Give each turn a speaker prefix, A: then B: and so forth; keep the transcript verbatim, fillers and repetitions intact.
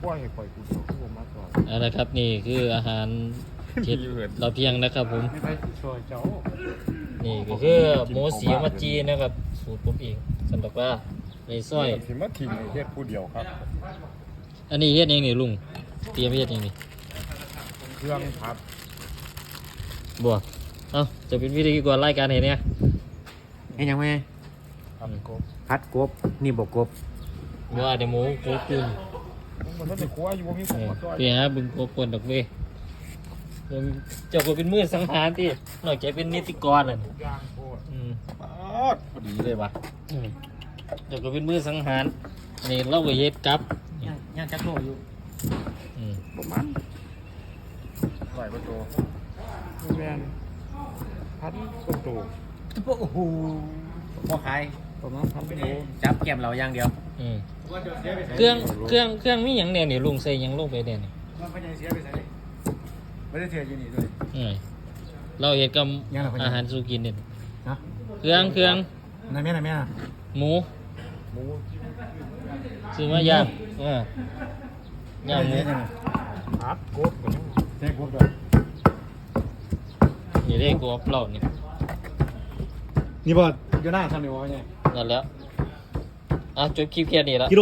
A: ปล่อยให้ปล่อยกูเดี๋ยวกูมาก่อน
B: เอาละครับนี่คืออาหารเช็ดเราเพียงนะครับผม
A: ไม่ไปช่วยเจ้า
B: นี่ก็คือหมูสีมาจีนะครับสูตรผมเองสำหรับว่าในซอย
A: สิมาทิ้งให้เฮ็ดผู้เดียวครับ
B: อันนี้เฮ็ดเองนี่ลุงเตรียมเฮ็ดเองนี่
A: เครื่องพัด
B: บัวเอ้าจะเป็นวิธีก่อนรายการเห็นเนี่ย
C: เห็นยังไง
A: พัดกบ
C: พัดกบนี่บกกบ
B: บัวเดี๋ยวหมูโคกุน
A: มันต้องจะครัวอยู่บ่มีผมมาช่วย
B: พี่ฮะบึงโคกุนดอกเว้ยเจ้าก็เป็นมือสังหารที่นอกจากเป็นนิติกรอ่ะ
A: ย่างโคตร
B: อืม
A: ป๊าดพอดีเลยว่ะ
B: อืมเจ้าก็เป็นมือสังหารนี่เราก็เฮ็ดกับ
C: ยังยังจักโลอยู่
B: อืม
A: ประมาณไหวประตูแมนพันประตู
C: โอ้โหพอขาย
A: ประมาณพันประตู
C: จับแก้มเราอย่างเดียว
B: อืมเครื่องเครื่องเครื่องมีหยังเนี่ยนี่ลุงใส่หยังลงไปเนี่ยนี่
C: มันไม่ได้เสียไปใส่ไม่ได้เสียอยู่นี่ด้วย
B: อืมเราเฮ็ดกับ
C: ยังไงพ่อใหญ่
B: อาหารสุกินเนี่ย
C: นะ
B: เครื่องเครื่อง
C: นายแม่นายแม่
B: หมู
A: หมู
B: ซื้อมาย่างอ่าย่างหมู
A: พัดกบกันยัง
C: ใช่กบด้วย
B: นี่ได้กรอบเรานี่
C: นี่บอดอยู่หน้าทำนี่วะเนี่ย
B: นั่นแหล้วอ่ะจบคลิปแค่นี้แล้ว